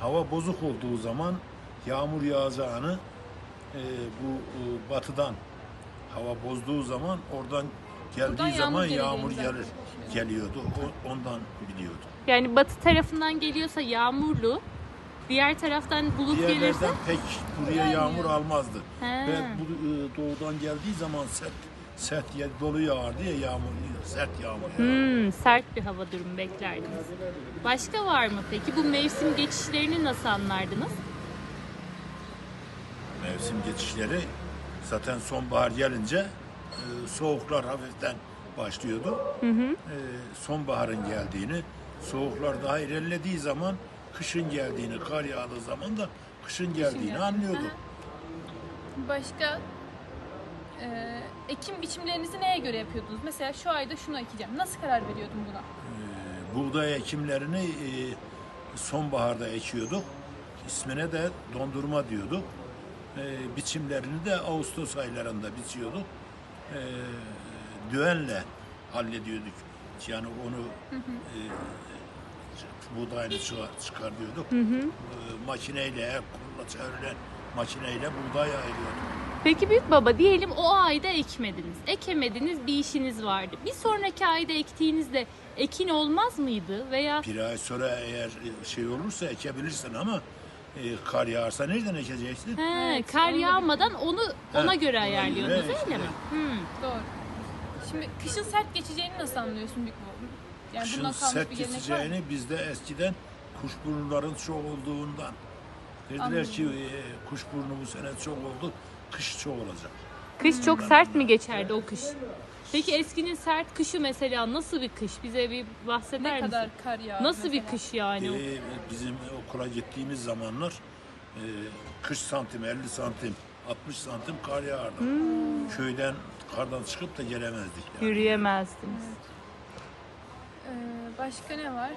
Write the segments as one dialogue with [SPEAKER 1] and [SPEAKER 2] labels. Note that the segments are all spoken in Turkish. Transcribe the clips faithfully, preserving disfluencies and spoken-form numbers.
[SPEAKER 1] hava bozuk olduğu zaman yağmur yağacağını e, bu e, batıdan hava bozduğu zaman oradan geldiği
[SPEAKER 2] Buradan yağmur
[SPEAKER 1] zaman
[SPEAKER 2] geleceğini
[SPEAKER 1] yağmur
[SPEAKER 2] zaten
[SPEAKER 1] gelir geliyordu. O, ondan biliyordu.
[SPEAKER 3] Yani batı tarafından geliyorsa yağmurlu, diğer taraftan bulut gelirse
[SPEAKER 1] Diğerlerden pek buraya yağmur almazdı.
[SPEAKER 3] He.
[SPEAKER 1] Ve bu e, doğudan geldiği zaman sert sert yer dolu yağardı ya yağmur, sert yağmur yağardı.
[SPEAKER 3] hmm, sert bir hava durumu beklerdiniz. Başka var mı peki? Bu mevsim geçişlerini nasıl anlardınız?
[SPEAKER 1] Mevsim geçişleri zaten sonbahar gelince e, soğuklar hafiften başlıyordu.
[SPEAKER 3] Hı hı.
[SPEAKER 1] E, sonbaharın geldiğini, soğuklar daha ilerlediği zaman kışın geldiğini, kar yağdığı zaman da kışın geldiğini
[SPEAKER 2] geldiğini.
[SPEAKER 1] anlıyordu.
[SPEAKER 2] Başka e, ekim biçimlerinizi neye göre yapıyordunuz? Mesela şu ayda şunu ekeceğim. Nasıl karar veriyordun buna?
[SPEAKER 1] E, buğday ekimlerini e, sonbaharda ekiyorduk. İsmine de dondurma diyorduk. E, biçimlerini de Ağustos aylarında biçiyorduk. E, düğenle hallediyorduk. Yani onu e, buğdayını çıkar, çıkar diyorduk.
[SPEAKER 3] Hı hı.
[SPEAKER 1] E, makineyle, el kolla çevrilen makineyle buğday ayırıyorduk.
[SPEAKER 3] Peki büyük baba, diyelim o ayda ekmediniz. Ekemediniz, bir işiniz vardı. Bir sonraki ayda ektiğinizde ekin olmaz mıydı? Veya
[SPEAKER 1] Bir ay sonra eğer şey olursa ekebilirsin ama e, kar yağarsa nereden ekeceksin?
[SPEAKER 3] he,
[SPEAKER 2] Evet,
[SPEAKER 3] kar
[SPEAKER 2] onu da
[SPEAKER 3] yağmadan onu ona
[SPEAKER 1] Ha,
[SPEAKER 3] göre
[SPEAKER 1] ona
[SPEAKER 3] ayarlıyordunuz
[SPEAKER 1] göre
[SPEAKER 3] öyle mi?
[SPEAKER 1] işte.
[SPEAKER 3] Hmm.
[SPEAKER 2] Doğru. Şimdi kışın sert geçeceğini nasıl anlıyorsun büyük baba? Yani
[SPEAKER 1] Kışın
[SPEAKER 2] bundan kalmış
[SPEAKER 1] sert
[SPEAKER 2] bir gelenek var mı?
[SPEAKER 1] geçeceğini bizde eskiden kuşburnuların çok olduğundan dediler
[SPEAKER 2] Anladım.
[SPEAKER 1] ki e, kuşburnu bu sene çok oldu, kış çok olacak.
[SPEAKER 3] Kış çok sert mi geçerdi o kış? Peki eskinin sert kışı mesela nasıl bir kış? Bize bir bahseder
[SPEAKER 2] Ne
[SPEAKER 3] misin?
[SPEAKER 2] kadar kar yağdı
[SPEAKER 3] Nasıl bir
[SPEAKER 2] mesela?
[SPEAKER 3] kış yani? o?
[SPEAKER 1] E, bizim okula gittiğimiz zamanlar e, kırk santim, elli santim, altmış santim kar yağardı.
[SPEAKER 2] Hmm.
[SPEAKER 1] Köyden kardan çıkıp da gelemezdik. Yani.
[SPEAKER 3] Yürüyemezdiniz.
[SPEAKER 2] Ee, başka ne var?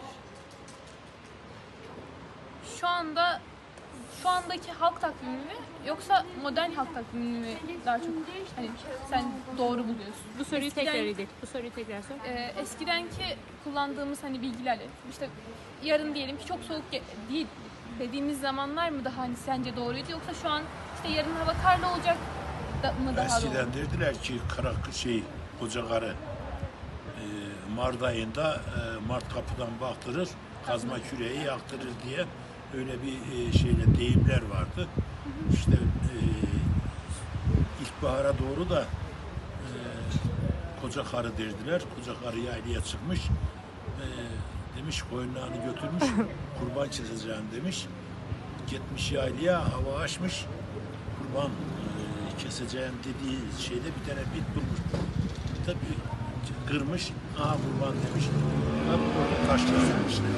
[SPEAKER 2] Şu anda şu andaki halk takvimi mi yoksa modern halk takvimi mi daha çok hani sen doğru buluyorsun?
[SPEAKER 3] Bu soruyu
[SPEAKER 2] Eskiden-
[SPEAKER 3] tekrar edin. Bu soruyu tekrar sor.
[SPEAKER 2] Ee, eskidenki kullandığımız hani bilgilerle işte yarın diyelim ki çok soğuk ge- değil dediğimiz zamanlar mı daha hani sence doğruydu yoksa şu an işte yarın hava karlı olacak da mı daha doğru?
[SPEAKER 1] Eskiden dediler ki kara şey koca karı e, Mart ayında e, Mart kapıdan baktırır, kazma küreği yaktırır diye öyle bir e, şeyle deyimler vardı. İşte e, ilkbahara doğru da e, koca karı derdiler. Koca karı yaylaya çıkmış. E, demiş koyunlarını götürmüş, kurban keseceğim demiş. Gitmiş yaylaya, hava açmış. Kurban e, keseceğim dediği şeyde bir tane bit bulmuş. Tabii kırmış, aha kurban demiş. Tabii orada taş kesilmişler.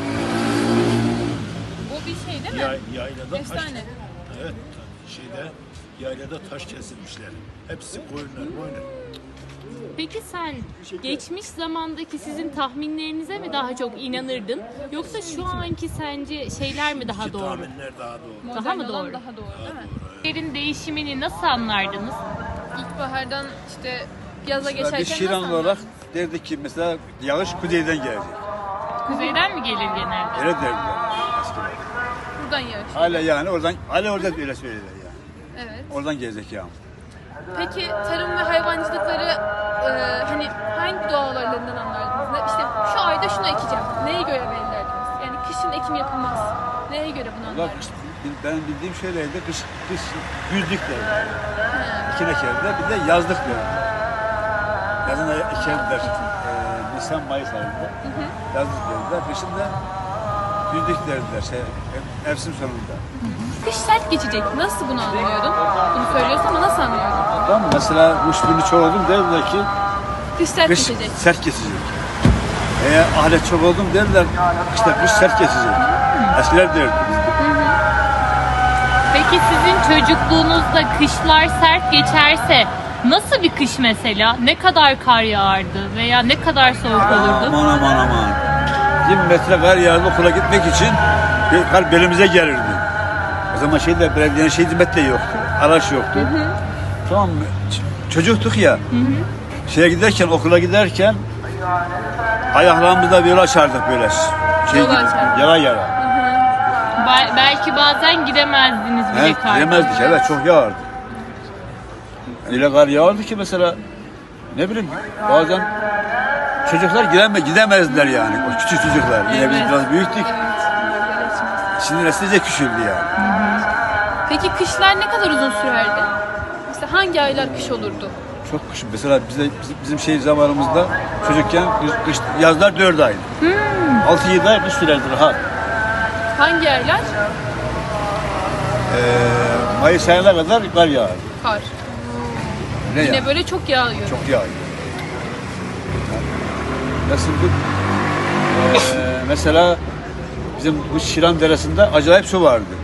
[SPEAKER 2] Bu bir şey değil mi?
[SPEAKER 1] Yay, yaylada taş,
[SPEAKER 2] Efsane.
[SPEAKER 1] evet, şeyde yaylada taş kesilmişler. Hepsi koyunlar, koyunlar.
[SPEAKER 3] Peki sen geçmiş zamandaki sizin tahminlerinize mi daha çok inanırdın? Yoksa şu anki sence şeyler mi daha
[SPEAKER 1] İki
[SPEAKER 3] doğru?
[SPEAKER 1] tahminler daha doğru.
[SPEAKER 2] Modern
[SPEAKER 3] Daha mı
[SPEAKER 2] olan
[SPEAKER 3] doğru?
[SPEAKER 2] Daha doğru değil mi?
[SPEAKER 3] Yerin değişimini nasıl anlardınız?
[SPEAKER 2] İlkbahardan işte yaza
[SPEAKER 4] Mesela
[SPEAKER 2] geçerken
[SPEAKER 4] biz Şiran
[SPEAKER 2] nasıl
[SPEAKER 4] olarak
[SPEAKER 2] anlardın?
[SPEAKER 4] derdik ki mesela yağış kuzeyden gelecek.
[SPEAKER 3] Kuzeyden mi gelir genelde?
[SPEAKER 4] Öyle derdiler eskiden.
[SPEAKER 2] Buradan yağış.
[SPEAKER 4] Hala yani oradan, hala orada öyle söylediler yani.
[SPEAKER 2] Evet.
[SPEAKER 4] Oradan gelecek yağmur.
[SPEAKER 2] Peki tarım ve hayvancılıkları e, hani hangi doğa olaylarından anlardınız? Ne, işte şu ayda şunu ekeceğim. Neye göre belirlerdiniz? Yani kışın ekim yapılmaz. Neye göre bunu
[SPEAKER 4] Valla
[SPEAKER 2] anlardınız?
[SPEAKER 4] kış, ben bildiğim şöyleydi, kış, kış güzlük derdi. İkin ekerler, bir de yazlık derdi. Yazın ekerler, e, Nisan, Mayıs ayında. Yazlık derdiler, kışın da güzlük derdiler, şey, mevsim sonunda.
[SPEAKER 2] Kış sert geçecek. Nasıl bunu anlıyordun? Bunu söylüyorsun ama nasıl anlıyordun?
[SPEAKER 4] Tamam mı? Mesela kuşburnu çok oldum derdiler ki,
[SPEAKER 2] Kış sert
[SPEAKER 4] kış
[SPEAKER 2] geçecek.
[SPEAKER 4] sert geçecek. Eğer ahiret çok oldum derler, işte kış sert geçecek. Eskiler derdi.
[SPEAKER 3] Peki sizin çocukluğunuzda kışlar sert geçerse nasıl bir kış mesela? Ne kadar kar yağardı veya ne kadar soğuk olurdu?
[SPEAKER 4] Aman aman aman. yirmi metre kar yağardı okula gitmek için kar belimize gelirdi. O zaman şeyde belediyenin şey hizmet de yoktu. Araç yoktu. Tamam mı? Ç- çocuktuk ya. Hı hı. Şeye giderken, okula giderken ayaklarımızda böyle açardık böyle. Şey
[SPEAKER 2] Yolu
[SPEAKER 4] gibi,
[SPEAKER 2] açardık.
[SPEAKER 4] yara yara.
[SPEAKER 3] Ba- belki bazen gidemezdiniz bile
[SPEAKER 4] He,
[SPEAKER 3] karda.
[SPEAKER 4] gidemezdik, evet, çok yağardı. Öyle kar yağardı ki mesela, ne bileyim, bazen çocuklar gideme, gidemezdiler yani, o küçük çocuklar. Yine biz
[SPEAKER 3] Evet.
[SPEAKER 4] biraz büyüktük, şimdi neslice küçüldü yani.
[SPEAKER 2] Peki kışlar ne kadar uzun sürerdi? Mesela hangi aylar kış olurdu?
[SPEAKER 4] Çok kış, mesela bize, bizim, bizim şey zamanımızda çocukken kış, kış, yazlar dört ay. Altı yedi ay kış sürerdi rahat.
[SPEAKER 2] Hangi aylar?
[SPEAKER 4] Ee, Mayıs ayına kadar kar yağar.
[SPEAKER 2] Kar.
[SPEAKER 4] Ne
[SPEAKER 2] Yine
[SPEAKER 4] yağar?
[SPEAKER 2] böyle çok yağıyor.
[SPEAKER 4] Çok yağıyor. Nasıldı? Ee, mesela bizim bu Şiran Deresi'nde acayip su vardı.